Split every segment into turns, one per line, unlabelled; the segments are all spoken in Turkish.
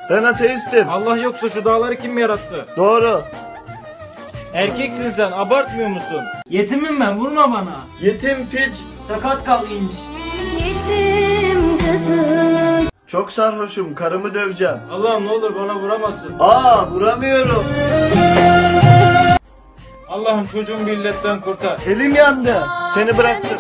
Ben ateistim.
Allah yoksa şu dağları kim yarattı?
Doğru.
Erkeksin sen, abartmıyor musun? Yetimim ben, vurma bana.
Yetim piç.
Sakat kal inç.
Yetim kızım.
Çok sarhoşum. Karımı döveceğim.
Allah'ım ne olur bana vuramasın.
Vuramıyorum.
Allah'ım çocuğumu bir illetten kurtar.
Elim yandı. Seni bıraktım.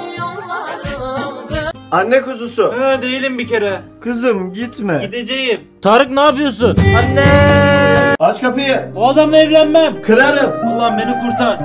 Anne kuzusu.
Değilim bir kere.
Kızım gitme.
Gideceğim. Tarık ne yapıyorsun?
Anne. Aç kapıyı.
O adamla evlenmem.
Kırarım.
Allah'ım beni kurtar.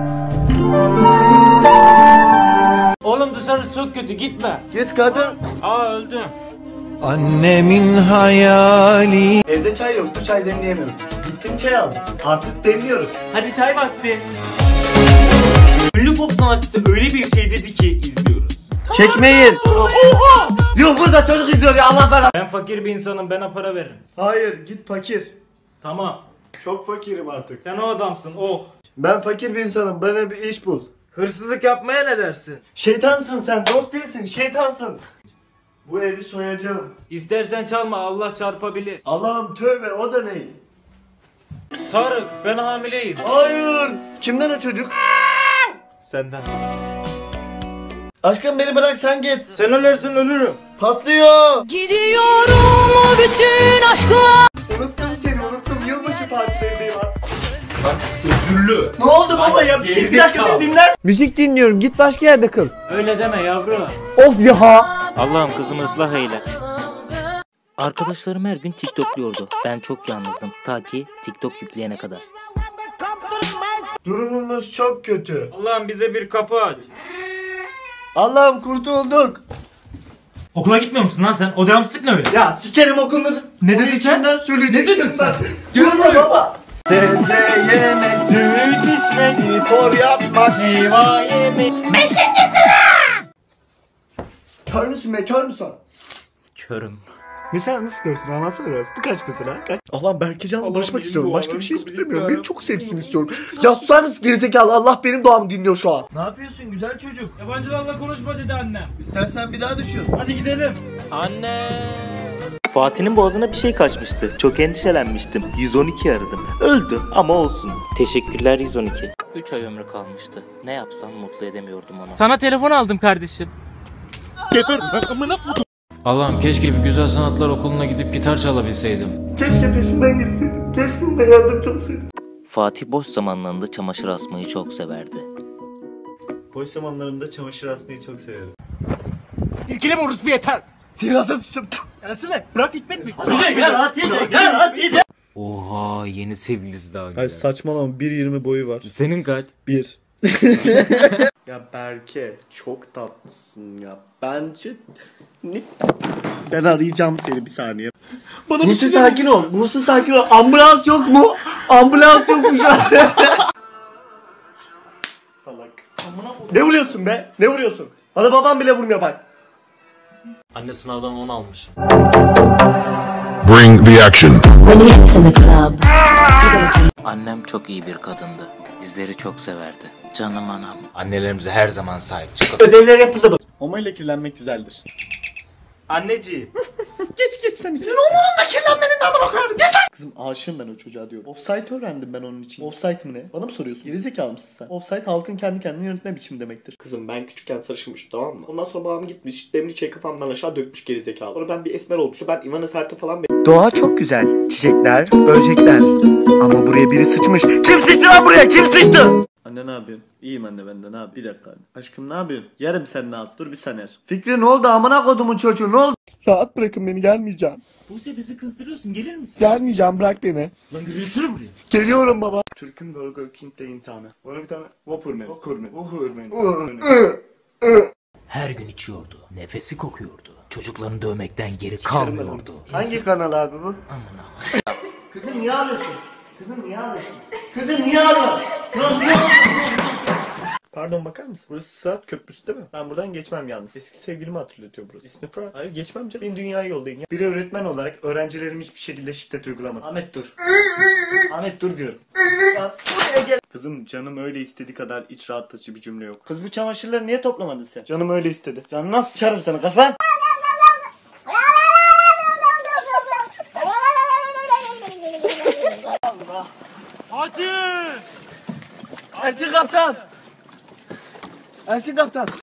Oğlum dışarısı çok kötü, gitme.
Git kadın.
Öldüm.
Annemin hayali.
Evde çay yoktu, çay demleyemiyorum. Gittim çay aldım. Artık demliyorum.
Hadi çay vakti. Ünlü pop sanatçısı öyle bir şey dedi ki izliyoruz.
Çekmeyin. Yok burada çocuk izliyor ya, Allah falan.
Ben fakir bir insanım, bana para verin.
Hayır, git fakir.
Tamam.
Çok fakirim artık.
Sen o adamsın, oh.
Ben fakir bir insanım, bana bir iş bul.
Hırsızlık yapmaya ne dersin?
Şeytansın sen, dost değilsin, şeytansın. Bu evi soyacağım.
İstersen çalma, Allah çarpabilir.
Allah'ım tövbe, o da ne?
Tarık, ben hamileyim.
Hayır. Kimden o çocuk?
Senden.
Aşkım beni bırak, sen git.
Sen ölürsen ölürüm.
Patlıyor.
Gidiyorum o bütün aşkla.
Unuttum seni, unuttum. Yılbaşı partilerindeyim artık.
Bak özürlü.
Ne oldu baba ya? Bir şey, bir dakika beni dinler. Müzik dinliyorum, git başka yerde kıl.
Öyle deme yavrum.
Of ya.
Allah'ım kızımı ıslah eyle. Arkadaşlarım her gün TikTokluyordu. Ben çok yalnızdım. Ta ki TikTok yükleyene kadar.
Durumumuz çok kötü.
Allah'ım bize bir kapı aç.
Allah'ım kurtulduk.
Okula gitmiyor musun lan sen? O devamsızlık ne öyle?
Ya sikerim okulları. Ne dedin sen? Söyleyeceksin sen. Gel buraya baba. Sebze yemek, süt içmek, spor yapmak, meyve yemek. Beşinci sıra. Kör müsün be, kör müsün?
Körüm.
Mesela nasıl görsün, anlatsana biraz. Bu kaç mesela? Kaç? Allah'ım Berkecan'la barışmak istiyorum. Başka bir şey istemiyorum. Beni çok sevsin istiyorum. Ya susar mısın gerizekalı? Allah benim doğamı dinliyor şu an. Ne yapıyorsun güzel çocuk?
Yabancılarla konuşma dedi annem.
İstersen bir daha düşün. Hadi gidelim.
Anne.
Fatih'in boğazına bir şey kaçmıştı. Çok endişelenmiştim. 112 aradım. Öldü ama olsun. Teşekkürler 112. 3 ay ömrü kalmıştı. Ne yapsam mutlu edemiyordum onu.
Sana telefon aldım kardeşim.
Allah'ım keşke bir güzel sanatlar okuluna gidip gitar çalabilseydim.
Keşke peşinden gitseydim. Keşke ona yardımcı olsaydım.
Fatih boş zamanlarında çamaşır asmayı çok severdi.
Boş zamanlarımda çamaşır asmayı çok severim.
Silkeleme orospu yeter.
Silahsa sıçtım. Gelsene. Bırak Hikmet mi?
Gel.
Oha yeni sevgilisi daha güzel.
Ay saçmalama, 1.20 boyu var.
Senin kaç?
1. Ya Berke çok tatlısın ya. Bence ne? Ben arayacağım seni bir saniye. Buse sakin ol. Buse sakin ol. Ambulans yok mu? Ambulans yok mu şu an? Salak. Ne vuruyorsun be? Ne vuruyorsun? Bana babam bile vurmuyor bak.
Anne sınavdan 10 almış.
Bring the action.
Annem çok iyi bir kadındı. Bizleri çok severdi. Canım anam.
Annelerimize her zaman sahip çıkalım.
Ödevler yapıldı mı? Homo ile kirlenmek güzeldir.
Anneciğim.
Geç sen için. Onunla kirlenmenin amına koyarım. Geç lan. Kızım aşığım ben o çocuğa diyorum. Offsite öğrendim ben onun için. Offsite mı ne? Bana mı soruyorsun? Gerizekalı mısın sen? Offsite halkın kendi kendini yönetme biçimi demektir. Kızım ben küçükken sarışınmışım, tamam mı? Ondan sonra babam gitmiş demli çayı kafamdan aşağı dökmüş gerizekalı. Sonra ben bir esmer olmuşum. Ben Ivana Sert'e falan Doğa çok güzel. Çiçekler, böcekler. Ama buraya biri sıçmış. Kim sıçtı lan buraya? Kim sıçtı? Anne ne yapıyorsun? İyiyim anne, ben de ne yap? Bir dakika anne. Aşkım ne yapıyorsun? Yerim senin ağzı. Dur bir saniye. Fikri ne oldu amına kodumun çocuğu, ne oldu? Rahat bırakın beni, gelmeyeceğim.
Buse bizi kızdırıyorsun, gelir misin?
Gelmeyeceğim, bırak beni.
Lan yürüyüşünü buraya.
Geliyorum baba. Türk'ün Burger King'de imtihanı. Bana bir tane Whopper menü. Whopper menü.
Her gün içiyordu. Nefesi kokuyordu. Çocuklarını dövmekten geri kalmıyordu.
Hangi kanal abi bu?
Amına.
Kızım niye ağlıyorsun? Kızım niye ağlıyorsun? Kızım niye ağlıyorsun? Niye ağlıyorsun? Pardon, bakar mısın? Burası Sırat Köprüsü değil mi? Ben buradan geçmem yalnız. Eski sevgilimi hatırlatıyor burası. İsmi Fırat. Hayır geçmem canım. Beni dünyaya yollayın ya. Bir öğretmen olarak öğrencilerim hiçbir şekilde şiddet uygulamadı. Ahmet dur. Ahmet dur diyorum. Kızım canım öyle istediği kadar iç rahatlatıcı bir cümle yok. Kız bu çamaşırları niye toplamadın sen? Canım öyle istedi. Canım nasıl çarım sana kafan?
Hadi!
Ersin kaptan. Ersin kaptan.